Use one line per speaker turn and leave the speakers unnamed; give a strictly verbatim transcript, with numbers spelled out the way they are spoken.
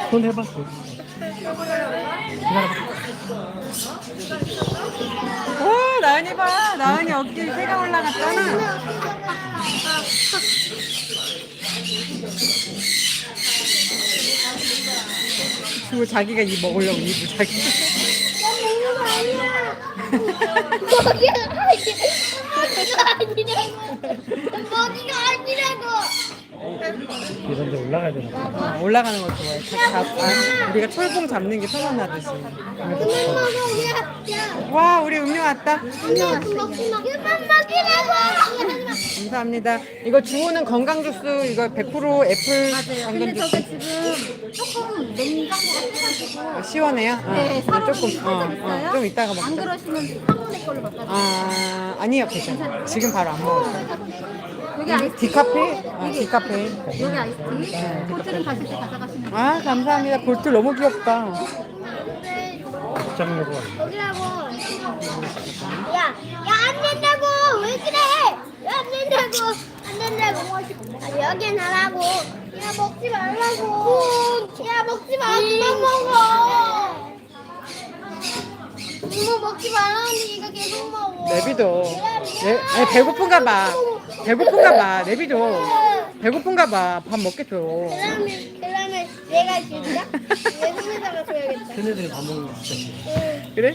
손 해봐.
오, 나은이 봐. 나은이 어깨에 새가 올라갔잖아. 그리고 자기가 이 먹으려고 입을 자기.
먹이가 아니라고.
이런 데 올라가야 되나 봐.
어, 올라가는 거 좋아해. 자, 잡, 아, 우리가 철봉 잡는 게 편안하듯이.
그만 먹어. 야, 야.
와, 우리 음료 왔다.
그만 먹지 마. 그만 먹이라고.
감사합니다. 이거 주호는 건강 주스 이거 백 퍼센트 애플
맞아요.
당근
근데
주스.
저게 지금 조금 냉장고가 해가지고
시원해요? 어,
네, 사람이
조금 어,
살짝 있어요.
어, 좀 이따가
안
먹자.
그러시면 사모네 걸로 바꿔주세요.
아, 아니요, 괜찮아. 지금 바로 안 먹어요.
여기
이게
아이스티.
디카페? 아,
여기
디카페.
여기 아이스티. 호텔은 가실 때 가져가시면 돼요.
아, 감사합니다. 볼트 너무 귀엽다.
입장료가
먹이라고. 야, 야 안 된다고. 왜 그래? 왜 안 된다고? 안 된다고. 아, 여긴 하라고. 야 먹지 말라고. 야 먹지 마. 그만 먹어. 이모 먹지 말라는데 얘가 계속 먹어.
내비도. 내, 아니, 배고픈가 봐. 배고픈가 봐. 내비도. 배고픈가 봐. 밥 먹겠죠.
그러면 그러면 내가 줄까? 내 손에다가 줘야겠다.
걔네들이 밥 먹는 거 진짜.
응.
그래?